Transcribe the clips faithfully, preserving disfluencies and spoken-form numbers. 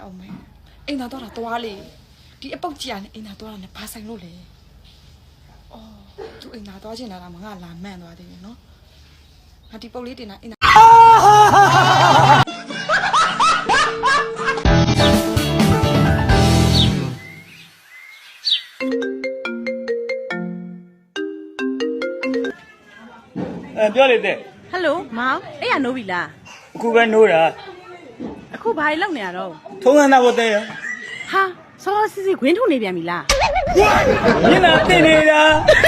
အောင်မယ်အိမ်သာတော့တာသွားလေဒီအပုတ်ကြီးကနေအိမ်သာသွားတာနဲ့ဘာဆိုင်လို့လဲအော်သူအိမ်သာသွားချင်တာကမငါလာမှန်သွားသေးတယ်နော်ငါဒီပုတ်လေးတင်တာအိမ်သာအဲပြောလေတဲ့ဟယ်လိုမောင်အဲ့ရနိုးပြီလားအခုပဲနိုးတာအခုဘာလုပ်နေရတော့ထုံးစံသားဖို့တဲ့ရဟာစောစောစီစီခွင်းထုတ်နေပြန်ပြီလားမျက်နှာတင်နေတာ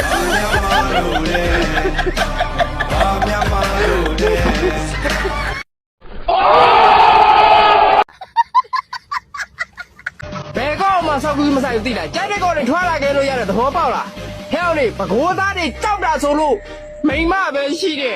ဘယ်ကောက်မှဆောက်ကူးမဆိုင်ဘူးသိလားကြိုက်တဲ့ကောက်တွေထွားလာခဲ့လို့ရတယ်သဘောပေါက်လားဟဲ့အောင်လေပကိုးသားတွေကြောက်တာဆိုလို့မိမပဲရှိတယ်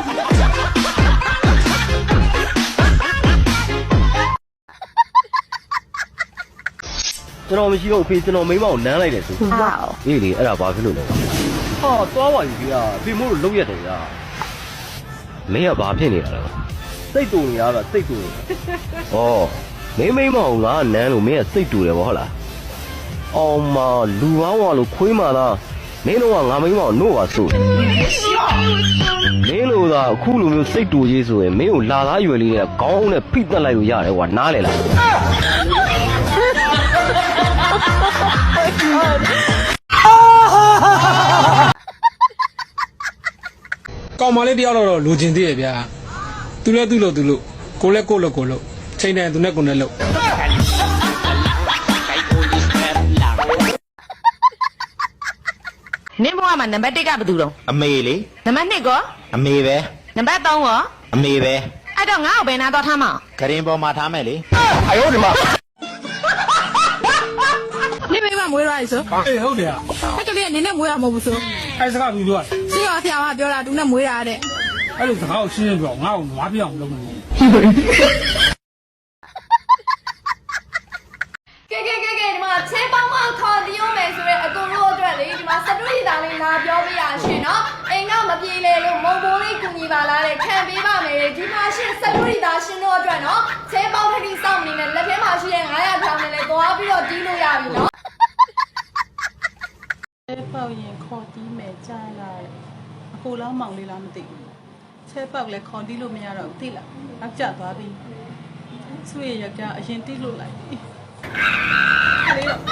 ကျွန်တော်မရှိတော့ဖေးကျွန်တော်မိမကိုနမ်းလိုက်တယ်ဆိုဟာအေးလေအဲ့ဒါဘာဖြစ်လို့လဲဟာသွားပါယူကြီးอ่ะဖေမို့လို့လုံးရတယ်ကြာမင်းကဘာဖြစ်နေတာလဲစိတ်တူနေရတာစိတ်တူနေဩမင်းမိမကိုငါနမ်းလို့မင်းကစိတ်တူတယ်ဗောဟုတ်လားအောင်မလူကောင်းဝါလို့ခွေးမာလားမင်းတို့ကငါမိမကိုနို့ပါဆိုမင်းတို့ကအခုလိုမျိုးစိတ်တူကြီးဆိုရင်မင်းကိုလာသားရွယ်လေးနဲ့ခေါင်းနဲ့ဖိတက်လိုက်လို့ရတယ်ကွာနားလေလားကောင်မလေးတယောက်တော့လိုချင်သေးရဲ့ဗျာသူလဲသူ့လို့သူလို့ကိုလဲကိုလို့ကိုလို့ချိန်တယ်သူနဲ့ကိုနဲ့လို့နင်းဘွားမှာနံပါတ်တစ်ကဘယ်သူတော့အမေလေနံပါတ်နှစ်ကောအမေပဲနံပါတ်သုံးကောအမေပဲအဲ့တော့ငါ့ကိုဘယ်နာတော့ထားမအောင်ဂရင်ပေါ်မှာထားမယ်လေအယောဒီမှာနင်းမိမမွေးရည်ဆိုအေးဟုတ်တယ်အဲ့ကလေးကနင်းနဲ့မွေးရမဟုတ်ဘူးဆိုအဲစကားပြီးပြောစီရောဆရာကပြောတာသူနဲ့မွေးရတဲ့အဲ့လိုစကားကိုရှင်းရှင်းပြောငါ့ကိုနွားပြအောင်လုပ်နေကဲကဲကဲကဲဒီမှာချဲပေါင်းမခေါ်တီးရုံးမယ်ဆိုရဲအကုန်လုံးအတွက်လေဒီမှာစတူရီသားလေးလာပြောပြရရှင်နော်အိမ်ကမပြေလေလို့မုံဘိုးလေးကူညီပါလားတဲ့ခံပေးပါမယ်ဒီမှာရှင်စတူရီသားရှင်တို့အတွက်နော်ချဲပေါင်းထတိစောင့်နေနဲ့လက်ထဲမှာရှိတဲ့ငါးရာထောင်နဲ့လည်းသွားပြီးတော့တီးလို့ရပြီနော်ချဲပေါက်ရင်ခေါ်တီးမယ်ကြားလိုက်အခုလောက်မောင်လေးလားမသိဘူးချဲပေါက်လည်းခေါ်တီးလို့မရတော့သိလားနောက်ကျသွားပြီဆွေရကအရင်တီးလို့လိုက်ပြီလေးတော့